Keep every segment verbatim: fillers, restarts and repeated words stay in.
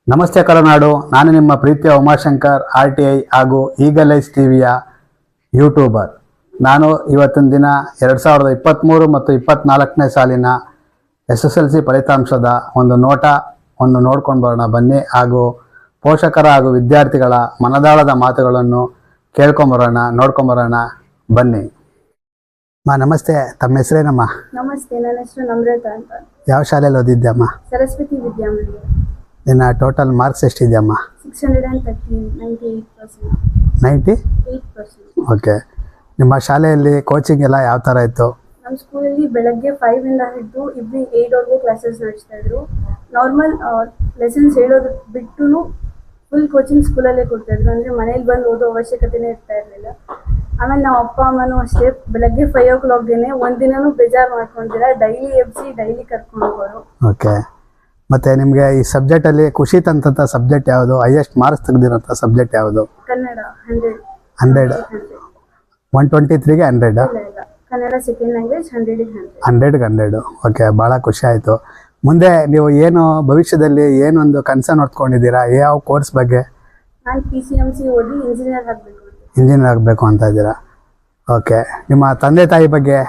ನಮಸ್ತೆ ಕರುನಾಡು. ನಾನು ನಿಮ್ಮ ಪ್ರೀತಿಯ ಉಮಾಶಂಕರ್ ಆರ್ ಟಿ ಐ ಹಾಗೂ ಈಗಲೈಸ್ ಟಿವಿಯ ಯೂಟ್ಯೂಬರ್. ನಾನು ಇವತ್ತಿನ ದಿನ ಎರಡು ಸಾವಿರದ ಇಪ್ಪತ್ತ್ಮೂರು ಮತ್ತು ಇಪ್ಪತ್ತ್ನಾಲ್ಕನೇ ಸಾಲಿನ ಎಸ್ ಎಸ್ ಎಲ್ ಸಿ ಫಲಿತಾಂಶದ ಒಂದು ನೋಟ ಒಂದು ನೋಡ್ಕೊಂಡು ಬರೋಣ ಬನ್ನಿ. ಹಾಗೂ ಪೋಷಕರ ಹಾಗೂ ವಿದ್ಯಾರ್ಥಿಗಳ ಮನದಾಳದ ಮಾತುಗಳನ್ನು ಕೇಳ್ಕೊಂಬರೋಣ, ನೋಡ್ಕೊಂಬರೋಣ ಬನ್ನಿ. ಮಾ ನಮಸ್ತೆ, ತಮ್ಮ ಹೆಸರೇನಮ್ಮ? ನಮಸ್ತೆ, ನನ್ನ ಹೆಸರು ನಮ್ರತಾ ಅಂತ. ಯಾವ ಶಾಲೆಯಲ್ಲಿ ಓದಿದ್ದೆ ಅಮ್ಮ? ಸರಸ್ವತಿ ವಿದ್ಯಾಮಂದಿರ. ನಿನ್ನ ಟೋಟಲ್ ಮಾರ್ಕ್ಸ್ ಎಷ್ಟಿದೆಯಮ್ಮ? Six hundred and thirty ninety eight percent ninety eight percent okay. ನಿಮ್ಮ ಶಾಲೆಯಲ್ಲಿ ಕೋಚಿಂಗ್ ಎಲ್ಲ ಯಾವ ಥರ ಇತ್ತು? ನಮ್ಮ ಸ್ಕೂಲಲ್ಲಿ ಬೆಳಗ್ಗೆ ಫೈವ್ ಇಂದ ಹಿಡಿದು ಇವ್ನಿಂಗ್ ಏಯ್ಟ್ವರೆಗೂ ಕ್ಲಾಸಸ್ ನಡೆಸ್ತಾ ಇದ್ರು. ನಾರ್ಮಲ್ ಲೆಸನ್ಸ್ ಹೇಳೋದು ಬಿಟ್ಟು ಫುಲ್ ಕೋಚಿಂಗ್ ಸ್ಕೂಲಲ್ಲೇ ಕೊಡ್ತಾಯಿದ್ರು. ಅಂದರೆ ಮನೇಲಿ ಬಂದು ಓದೋ ಅವಶ್ಯಕತೆನೇ ಇರ್ತಾ ಇರಲಿಲ್ಲ. ಆಮೇಲೆ ನಾವು ಅಪ್ಪ ಅಮ್ಮನೂ ಅಷ್ಟೇ ಬೆಳಗ್ಗೆ ಫೈವ್ ಓ ಕ್ಲಾಕ್ಗೆ ಒಂದಿನೂ ಬೇಜಾರು ಮಾಡ್ಕೊಂಡಿರ ಡೈಲಿ ಎಬ್ಸಿ ಡೈಲಿ ಕರ್ಕೊಂಡು ಹೋಗೋರು. ಓಕೆ. ಮತ್ತು ನಿಮಗೆ ಈ ಸಬ್ಜೆಕ್ಟಲ್ಲಿ ಖುಷಿ ತಂದಂಥ ಸಬ್ಜೆಕ್ಟ್ ಯಾವುದು? ಹೈಯೆಸ್ಟ್ ಮಾರ್ಕ್ಸ್ ತೆಗೆದಿರೋಂಥ ಸಬ್ಜೆಕ್ಟ್ ಯಾವುದು? Kannada hundred hundred one twenty ತ್ರೀಗೆ ಹಂಡ್ರೆಡ್ ಇಲ್ಲ ಇಲ್ಲ ಕನ್ನಡ ಸೆಕೆಂಡ್ ಲ್ಯಾಂಗ್ವೇಜ್ ಹಂಡ್ರೆಡಿಗೆ ಹಂಡ್ರೆಡ್ ಹಂಡ್ರೆಡ್ಗೆ ಹಂಡ್ರೆಡು ಓಕೆ. ಭಾಳ ಖುಷಿ ಆಯಿತು. ಮುಂದೆ ನೀವು ಏನು ಭವಿಷ್ಯದಲ್ಲಿ ಏನೊಂದು ಕನಸನ್ನು ಹೊತ್ಕೊಂಡಿದ್ದೀರಾ? ಯಾವ ಕೋರ್ಸ್ ಬಗ್ಗೆ? ನಾನು ಪಿ ಸಿ ಎಮ್ ಸಿ ಓದಿ ಇಂಜಿನಿಯರ್ ಆಗಬೇಕು. ಇಂಜಿನಿಯರ್ ಆಗಬೇಕು ಅಂತ ಇದ್ದೀರಾ? ಓಕೆ. ನಿಮ್ಮ ತಂದೆ ತಾಯಿ ಬಗ್ಗೆ?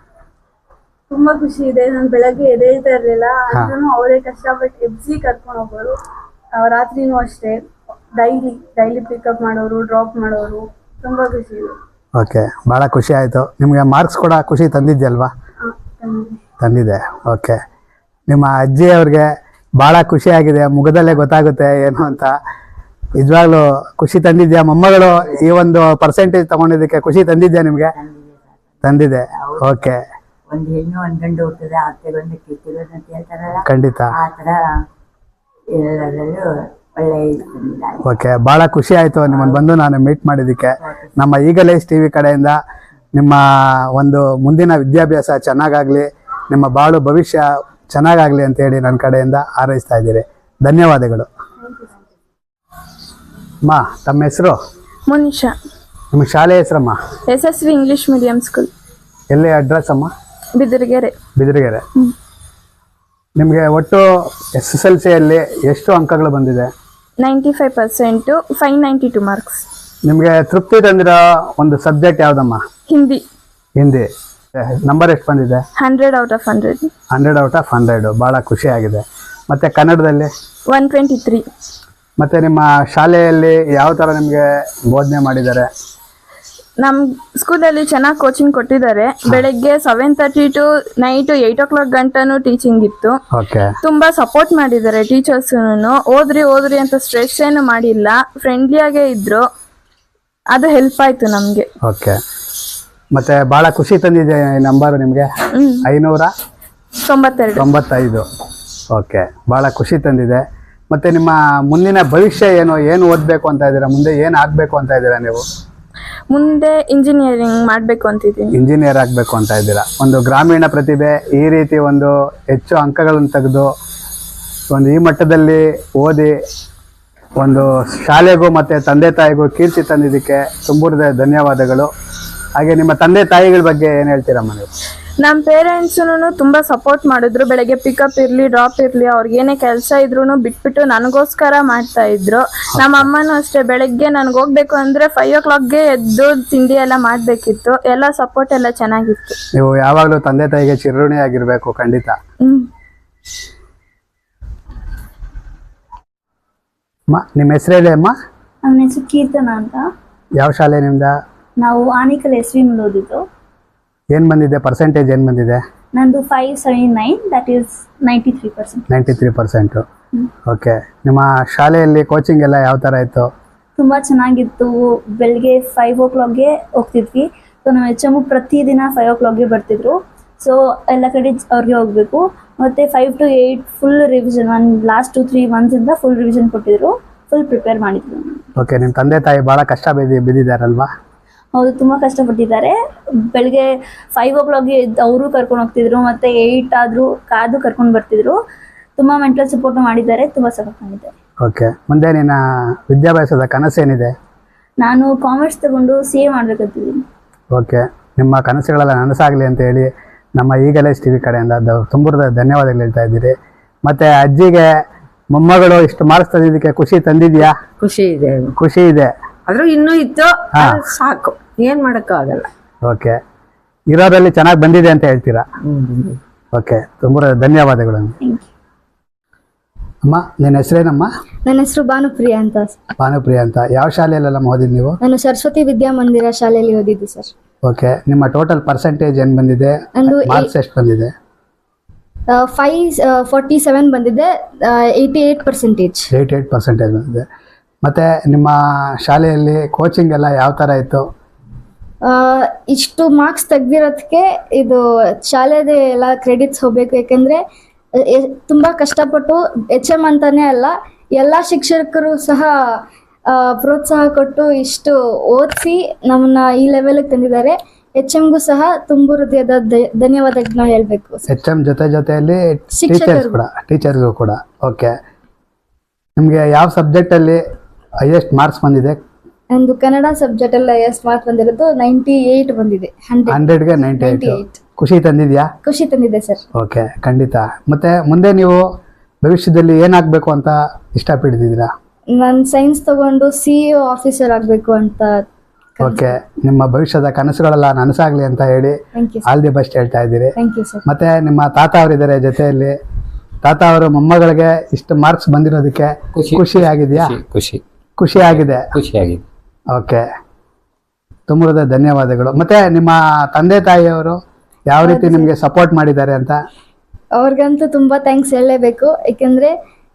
ತುಂಬಾ ಖುಷಿ ಇದೆ. ನಾನು ಬೆಳಗ್ಗೆ ಎದ್ದೇಳ್ತಾ ಇರ್ಲಿಲ್ಲ ಅಂದ್ರೂ ಅವರೇ ಕಷ್ಟಪಟ್ಟು ಎಬ್ಸಿ ಕರ್ಕೊಂಡು ಹೋಗೋರು. ರಾತ್ರಿನೂ ಅಷ್ಟೇ ಡೈಲಿ ಡೈಲಿ ಪಿಕಪ್ ಮಾಡೋರು, ಡ್ರಾಪ್ ಮಾಡೋರು. ತುಂಬಾ ಖುಷಿ ಇದೆ. ಓಕೆ, ಭಾಳ ಖುಷಿ ಆಯಿತು. ನಿಮಗೆ ಮಾರ್ಕ್ಸ್ ಕೂಡ ಖುಷಿ ತಂದಿದ್ಯಲ್ವಾ? ತಂದಿದೆ. ಓಕೆ. ನಿಮ್ಮ ಅಜ್ಜಿಯವ್ರಿಗೆ ಭಾಳ ಖುಷಿಯಾಗಿದೆ, ಮುಖದಲ್ಲೇ ಗೊತ್ತಾಗುತ್ತೆ ಏನು ಅಂತ. ನಿಜವಾಗ್ಲೂ ಖುಷಿ ತಂದಿದ್ಯಾ? ಮೊಮ್ಮಗಳು ಈ ಒಂದು ಪರ್ಸೆಂಟೇಜ್ ತಗೊಂಡಿದ್ದಕ್ಕೆ ಖುಷಿ ತಂದಿದ್ಯಾ ನಿಮಗೆ? ತಂದಿದೆ. ಓಕೆ. ಒಂದು ಹೆಣ್ಣು ಒಂದು ಗಂಡು ಹುಟ್ಟಿದ್ರೆ ಆಗ್ತದೆ ಒಂದು ಕಿತ್ತಿರೋದು ಅಂತ ಹೇಳ್ತಾರಲ್ಲ, ಖಂಡಿತ ಆ ಥರ ಎಲ್ಲರಲ್ಲೂ ಒಳ್ಳೆ ಇದ್ದಾರೆ. ಓಕೆ, ಭಾಳ ಖುಷಿ ಆಯಿತು ನಿಮ್ಮನ್ನು ಬಂದು ನಾನು ಮೀಟ್ ಮಾಡಿದ್ದಕ್ಕೆ. ನಮ್ಮ ಈಗಲೈಸ್ ಟಿ ವಿ ಕಡೆಯಿಂದ ನಿಮ್ಮ ಒಂದು ಮುಂದಿನ ವಿದ್ಯಾಭ್ಯಾಸ ಚೆನ್ನಾಗಾಗಲಿ, ನಿಮ್ಮ ಬಾಳು ಭವಿಷ್ಯ ಚೆನ್ನಾಗಾಗಲಿ ಅಂತೇಳಿ ನನ್ನ ಕಡೆಯಿಂದ ಹಾರೈಸ್ತಾ ಇದ್ದೀರಿ. ಧನ್ಯವಾದಗಳು. ಅಮ್ಮ, ತಮ್ಮ ಹೆಸರು? ಮುನಿಷಾ. ನಿಮ್ಮ ಶಾಲೆ ಹೆಸರಮ್ಮ? S S V English medium school. ಎಲ್ಲಿ ಅಡ್ರೆಸ್ ಅಮ್ಮ? ಬಿದಿರಗೆರೆ. ಬಿದಿರಗೆರೆ. ನಿಮಗೆ ಒಟ್ಟು ಎಸ್ ಎಸ್ ಎಲ್ ಸಿಯಲ್ಲಿ ಎಷ್ಟು ಅಂಕಗಳು ಬಂದಿದೆ? Ninety five percent five ninety two marks. ನಿಮಗೆ ತೃಪ್ತಿ ತಂದಿರೋ ಒಂದು ಸಬ್ಜೆಕ್ಟ್ ಯಾವುದಮ್ಮ? ಹಿಂದಿ. ಹಿಂದಿ. ನಂಬರ್ ಎಷ್ಟು ಬಂದಿದೆ? Hundred out of hundred. Hundred out of hundred. ಭಾಳ ಖುಷಿಯಾಗಿದೆ. ಮತ್ತು ಕನ್ನಡದಲ್ಲಿ? One twenty three. ಮತ್ತು ನಿಮ್ಮ ಶಾಲೆಯಲ್ಲಿ ಯಾವ ಥರ ನಿಮಗೆ ಬೋಧನೆ ಮಾಡಿದ್ದಾರೆ? ನಮ್ಮ ಸ್ಕೂಲಲ್ಲಿ ಚೆನ್ನಾಗಿ ಕೋಚಿಂಗ್ ಕೊಟ್ಟಿದ್ದಾರೆ. ಬೆಳಗ್ಗೆ seven thirty to night eight o'clock ಗಂಟನೂ ಟೀಚಿಂಗ್ ಇತ್ತು. ಓಕೆ. ತುಂಬ ಸಪೋರ್ಟ್ ಮಾಡಿದ್ದಾರೆ ಟೀಚರ್ಸೂ. ಓದ್ರಿ ಓದ್ರಿ ಅಂತ ಸ್ಟ್ರೆಸ್ ಏನು ಮಾಡಿಲ್ಲ, ಫ್ರೆಂಡ್ಲಿಯಾಗೇ ಇದ್ದರು. ಅದು ಹೆಲ್ಪ್ ಆಯಿತು ನಮಗೆ. ಓಕೆ. ಮತ್ತು ಭಾಳ ಖುಷಿ ತಂದಿದೆ ನಂಬರ್ ನಿಮಗೆ? ಐನೂರ ತೊಂಬತ್ತೆರಡು ತೊಂಬತ್ತೈದು ಓಕೆ, ಭಾಳ ಖುಷಿ ತಂದಿದೆ. ಮತ್ತು ನಿಮ್ಮ ಮುಂದಿನ ಭವಿಷ್ಯ ಏನು? ಏನು ಓದಬೇಕು ಅಂತ ಇದ್ದೀರಾ? ಮುಂದೆ ಏನು ಆಗಬೇಕು ಅಂತ ಇದ್ದೀರಾ ನೀವು? ಮುಂದೆ ಇಂಜಿನಿಯರಿಂಗ್ ಮಾಡಬೇಕು ಅಂತಿದ್ದೀನಿ. ಇಂಜಿನಿಯರ್ ಆಗಬೇಕು ಅಂತ ಇದ್ದೀರಾ. ಒಂದು ಗ್ರಾಮೀಣ ಪ್ರತಿಭೆ ಈ ರೀತಿ ಒಂದು ಹೆಚ್ಚು ಅಂಕಗಳನ್ನು ತೆಗೆದು ಒಂದು ಈ ಮಟ್ಟದಲ್ಲಿ ಓದಿ ಒಂದು ಶಾಲೆಗೂ ಮತ್ತು ತಂದೆ ತಾಯಿಗೂ ಕೀರ್ತಿ ತಂದಿದ್ದಕ್ಕೆ ತುಂಬ ಧನ್ಯವಾದಗಳು. ಹಾಗೆ ನಿಮ್ಮ ತಂದೆ ತಾಯಿಗಳ ಬಗ್ಗೆ ಏನು ಹೇಳ್ತೀರಮ್ಮ ನೀವು? ನಮ್ಮ ಪೇರೆಂಟ್ಸೂ ತುಂಬ ಸಪೋರ್ಟ್ ಮಾಡಿದ್ರು. ಬೆಳಗ್ಗೆ ಪಿಕಪ್ ಇರಲಿ ಡ್ರಾಪ್ ಇರಲಿ ಅವ್ರಿಗೇನೇ ಕೆಲಸ ಇದ್ರೂ ಬಿಟ್ಬಿಟ್ಟು ನನಗೋಸ್ಕರ ಮಾಡ್ತಾ ಇದ್ರು. ನಮ್ಮ ಅಮ್ಮನೂ ಅಷ್ಟೇ, ಬೆಳಗ್ಗೆ ನನಗೆ ಹೋಗ್ಬೇಕು ಅಂದರೆ ಫೈವ್ ಓ ಕ್ಲಾಕ್ಗೆ ಎದ್ದು ತಿಂಡಿ ಎಲ್ಲ ಮಾಡಬೇಕಿತ್ತು. ಎಲ್ಲ ಸಪೋರ್ಟ್ ಎಲ್ಲ ಚೆನ್ನಾಗಿತ್ತು. ನೀವು ಯಾವಾಗಲೂ ತಂದೆ ತಾಯಿಗೆ ಚಿರಋಣಿಯಾಗಿರಬೇಕು. ಖಂಡಿತ. ಹ್ಞೂ. ಅಮ್ಮ, ನಿಮ್ಮ ಹೆಸರು ಹೇಳಿ ಅಮ್ಮ? ನನ್ನ ಹೆಸರು ಕೀರ್ತನ ಅಂತ. ಯಾವ ಶಾಲೆ ನಿಮ್ದು? ನಾವು ಆನೇಕಲ್ ಎಸ್ ವಿ ಮೇಲೆ ಓದಿದ್ದು. ಏನು ಬಂದಿದೆ ಪರ್ಸೆಂಟೇಜ್? ಏನು ಬಂದಿದೆ? ನಂದು five seven nine that is ninety three percent. Ninety three percent okay. ನಿಮ್ಮ ಶಾಲೆಯಲ್ಲಿ ಕೋಚಿಂಗ್ ಎಲ್ಲ ಯಾವ ಥರ ಇತ್ತು? ತುಂಬ ಚೆನ್ನಾಗಿತ್ತು. ಬೆಳಗ್ಗೆ ಫೈವ್ ಓ ಕ್ಲಾಕ್ಗೆ ಹೋಗ್ತಿದ್ವಿ. ಸೊ ನಮ್ಮ ಎಚ್ ಎಮ್ಮು ಪ್ರತಿದಿನ ಫೈವ್ ಓ ಕ್ಲಾಕ್ಗೆ ಬರ್ತಿದ್ರು. ಸೊ ಎಲ್ಲ ಕಡೆ ಅವ್ರಿಗೆ ಹೋಗಬೇಕು. ಮತ್ತು five to eight full revision, ಒಂದು ಲಾಸ್ಟ್ ಟು ತ್ರೀ ಮಂತ್ಸಿಂದ ಫುಲ್ ರಿವಿಷನ್ ಕೊಟ್ಟಿದ್ರು. ಫುಲ್ ಪ್ರಿಪೇರ್ ಮಾಡಿದ್ರು. ಓಕೆ. ನಿಮ್ಮ ತಂದೆ ತಾಯಿ ಭಾಳ ಕಷ್ಟ ಬಿದ್ದು ಬಿದ್ದಿದ್ದಾರಲ್ವಾ? ಹೌದು, ತುಂಬ ಕಷ್ಟಪಟ್ಟಿದ್ದಾರೆ. ಬೆಳಗ್ಗೆ ಫೈವ್ ಓ ಕ್ಲಾಕ್ಗೆ ಎದ್ದು ಅವರು ಕರ್ಕೊಂಡು ಹೋಗ್ತಿದ್ರು, ಮತ್ತು ಏಯ್ಟ್ ಆದರೂ ಕಾದು ಕರ್ಕೊಂಡು ಬರ್ತಿದ್ರು. ತುಂಬ ಮೆಂಟಲ್ ಸಪೋರ್ಟ್ ಮಾಡಿದ್ದಾರೆ, ತುಂಬ ಸಪೋರ್ಟ್ ಮಾಡಿದ್ದಾರೆ. ಓಕೆ. ಮುಂದೆ ನಿನ್ನ ವಿದ್ಯಾಭ್ಯಾಸದ ಕನಸೇನಿದೆ? ನಾನು ಕಾಮರ್ಸ್ ತಗೊಂಡು ಸಿ ಎ ಮಾಡಬೇಕಂತಿದ್ದೀನಿ. ಓಕೆ. ನಿಮ್ಮ ಕನಸುಗಳೆಲ್ಲ ನನಸಾಗಲಿ ಅಂತ ಹೇಳಿ ನಮ್ಮ ಈಗಲೈಸ್ ಟಿ ವಿ ಕಡೆಯಿಂದ ತುಂಬ ಧನ್ಯವಾದಗಳು ಹೇಳ್ತಾ ಇದ್ದೀರಿ. ಮತ್ತು ಅಜ್ಜಿಗೆ ಮೊಮ್ಮಗಳು ಇಷ್ಟು ಮಾರ್ಕ್ಸ್ ತಂದಿದ್ದಕ್ಕೆ ಖುಷಿ ತಂದಿದ್ಯಾ? ಖುಷಿ ಇದೆ. ಖುಷಿ ಇದೆ. ಆದ್ರೂ ಇನ್ನೂ ಇತ್ತು, ಅದು ಸಾಕು, ಏನ್ ಮಾಡಕ್ಕಾಗಲ್ಲ. ಓಕೆ, ಇರೋದ್ರಲ್ಲಿ ಚೆನ್ನಾಗಿ ಬಂದಿದೆ ಅಂತ ಹೇಳ್ತೀರಾ? ಓಕೆ, ತುಂಬ ಧನ್ಯವಾದಗಳು. ಅಮ್ಮ, ನಿನ್ನ ಹೆಸರೇನಮ್ಮ? ನನ್ನ ಹೆಸರು ಭಾನುಪ್ರಿಯಾ ಅಂತ. ಭಾನುಪ್ರಿಯಾ ಅಂತ. ಯಾವ ಶಾಲೆಯಲ್ಲೆಲ್ಲ ಓದಿದ್ದು ನೀವು? ನಾನು ಸರಸ್ವತಿ ವಿದ್ಯಾಮಂದಿರ ಶಾಲೆಯಲ್ಲಿ ಓದಿದ್ದು ಸರ್. ಓಕೆ, ನಿಮ್ಮ ಟೋಟಲ್ ಪರ್ಸೆಂಟೇಜ್ ಏನು ಬಂದಿದೆ? ನಂದು ಮಾರ್ಕ್ಸ್ ಎಷ್ಟು ಬಂದಿದೆ? ಫೈವ್ ಫಾರ್ಟಿ ಸೆವೆನ್ ಬಂದಿದೆ, eighty eight percentage. Eighty eight percentage ಬಂದಿದೆ. ಮತ್ತು ನಿಮ್ಮ ಶಾಲೆಯಲ್ಲಿ ಕೋಚಿಂಗ್ ಎಲ್ಲ ಯಾವ ಥರ ಇತ್ತು? ಇಷ್ಟು ಮಾರ್ಕ್ಸ್ ತೆಗ್ದಿರೋದಕ್ಕೆ ಇದು ಶಾಲೆದೇ ಎಲ್ಲ ಕ್ರೆಡಿಟ್ಸ್ ಹೋಗಬೇಕು. ಯಾಕೆಂದರೆ ತುಂಬ ಕಷ್ಟಪಟ್ಟು ಎಚ್ ಎಮ್ ಅಂತಾನೆ ಅಲ್ಲ, ಎಲ್ಲ ಶಿಕ್ಷಕರು ಸಹ ಪ್ರೋತ್ಸಾಹ ಕೊಟ್ಟು ಇಷ್ಟು ಓದಿಸಿ ನಮ್ಮನ್ನ ಈ ಲೆವೆಲ್ಗೆ ತಂದಿದ್ದಾರೆ. ಎಚ್ ಎಮ್ಗೂ ಸಹ ತುಂಬ ಹೃದಯದ ಧನ್ಯವಾದಗಳನ್ನ ಹೇಳಬೇಕು. ಎಚ್ ಎಮ್ ಜೊತೆ ಜೊತೆಯಲ್ಲಿ ಟೀಚರ್ಸ್ ಕೂಡ ಟೀಚರ್ಸ್ಗೂ ಕೂಡ. ಓಕೆ, ನಿಮಗೆ ಯಾವ ಸಬ್ಜೆಕ್ಟಲ್ಲಿ ಹೈಯೆಸ್ಟ್ ಮಾರ್ಕ್ಸ್ ಬಂದಿದೆ? ಒಂದು ಕನ್ನಡ ಸಬ್ಜೆಕ್ಟ್ ಅಲ್ಲಿ ಹೈಯೆಸ್ಟ್ ಮಾರ್ಕ್ಸ್ ಬಂದಿರೋದು ನೈಂಟಿ ಏಯ್ಟ್ ಬಂದಿದೆ. ಹಂಡ್ರೆಡ್ಗೆ ನೈಂಟಿ ಏಯ್ಟ್. ಖುಷಿ ತಂದಿದ್ಯಾ? ಖುಷಿ ತಂದಿದೆ ಸರ್. ಓಕೆ, ಖಂಡಿತ. ಮತ್ತೆ ಮುಂದೆ ನೀವು ಭವಿಷ್ಯದಲ್ಲಿ ಏನಾಗಬೇಕು ಅಂತ ಇಷ್ಟಪಟ್ಟಿದ್ದೀರಾ? ನಾನು ಸೈನ್ಸ್ ತಗೊಂಡು ಸಿ ಇ ಆಫೀಸರ್ ಆಗಬೇಕು ಅಂತ. ಓಕೆ, ನಿಮ್ಮ ಭವಿಷ್ಯದ ಕನಸುಗಳೆಲ್ಲ ನನಸಾಗ್ಲಿ ಅಂತ ಹೇಳಿ ಆಲ್ ದಿ ಬೆಸ್ಟ್ ಹೇಳ್ತಾ ಇದ್ದೀರಿ. Thank you sir. ಮತ್ತೆ ನಿಮ್ಮ ತಾತ ಅವರಿದ್ದಾರೆ ಜೊತೆಯಲ್ಲಿ. ತಾತ ಅವರು ಮೊಮ್ಮಗಳಿಗೆ ಇಷ್ಟು ಮಾರ್ಕ್ಸ್ ಬಂದಿರೋದಕ್ಕೆ ಖುಷಿ ಆಗಿದೆಯಾ? ಖುಷಿ ಖುಷಿ ಆಗಿದೆ. ಖುಷಿಯಾಗಿದೆ. ಓಕೆ, ತುಂಬ ಧನ್ಯವಾದಗಳು. ಮತ್ತೆ ನಿಮ್ಮ ತಂದೆ ತಾಯಿಯವರು ಯಾವ ರೀತಿ ನಿಮಗೆ ಸಪೋರ್ಟ್ ಮಾಡಿದ್ದಾರೆ ಅಂತ? ಅವ್ರಿಗಂತೂ ತುಂಬಾ ಥ್ಯಾಂಕ್ಸ್ ಹೇಳಲೇಬೇಕು. ಏಕೆಂದ್ರೆ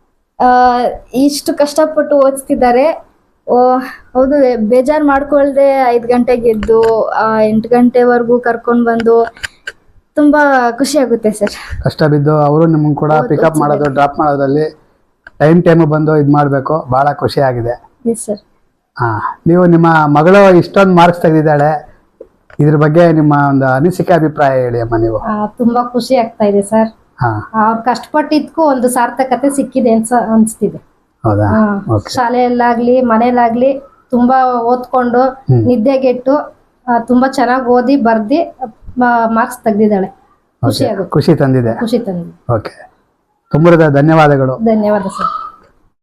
ಇಷ್ಟು ಕಷ್ಟಪಟ್ಟು ಓದಿಸ್ತಿದ್ದಾರೆ. ಹೌದು, ಬೇಜಾರು ಮಾಡ್ಕೊಳ್ದೆ ಐದು ಗಂಟೆಗೆ ಎದ್ದು ಎಂಟು ಗಂಟೆವರೆಗೂ ಕರ್ಕೊಂಡು ಬಂದು ತುಂಬಾ ಖುಷಿ ಆಗುತ್ತೆ ಸರ್. ಕಷ್ಟ ಬಿದ್ದು ಅವರು ನಿಮ್ಮನ್ನು ಕೂಡ ಪಿಕಪ್ ಮಾಡೋದು, ಡ್ರಾಪ್ ಮಾಡೋದ್ರಲ್ಲಿ ಟೈಮ್ ಟೈಮ್ ಬಂದು ಇದು ಮಾಡಬೇಕು. ಭಾಳ ಖುಷಿ ಆಗಿದೆ. Yes sir. ಹಾಂ, ನೀವು ನಿಮ್ಮ ಮಗಳು ಇಷ್ಟೊಂದು ಮಾರ್ಕ್ಸ್ ತೆಗೆದಿದ್ದಾಳೆ, ಇದ್ರ ಬಗ್ಗೆ ನಿಮ್ಮ ಒಂದು ಅನಿಸಿಕೆ ಅಭಿಪ್ರಾಯ ಹೇಳಿ ಅಮ್ಮ ನೀವು. ತುಂಬಾ ಖುಷಿ ಆಗ್ತಾ ಇದೆ ಸರ್. ಅವ್ರು ಕಷ್ಟಪಟ್ಟಿದ್ಕು ಒಂದು ಸಾರ್ಥಕತೆ ಸಿಕ್ಕಿದೆ ಅಂತ ಅನ್ಸ್ತಿದೆ. ಹೌದಾ? ಶಾಲೆಯಲ್ಲಾಗ್ಲಿ ಮನೇಲಾಗ್ಲಿ ತುಂಬಾ ಓದ್ಕೊಂಡು ನಿದ್ದೆಗೆಟ್ಟು ತುಂಬಾ ಚೆನ್ನಾಗಿ ಓದಿ ಬರ್ದಿ ಮಾರ್ಕ್ಸ್ ತೆಗ್ದಿದ್ದಾಳೆ. ಖುಷಿ ಆಗುತ್ತೆ. ಖುಷಿ ತಂದಿದೆ. ಖುಷಿ ತಂದಿದೆ. ಓಕೆ, ತುಂಬ ಧನ್ಯವಾದಗಳು. ಧನ್ಯವಾದ ಸರ್.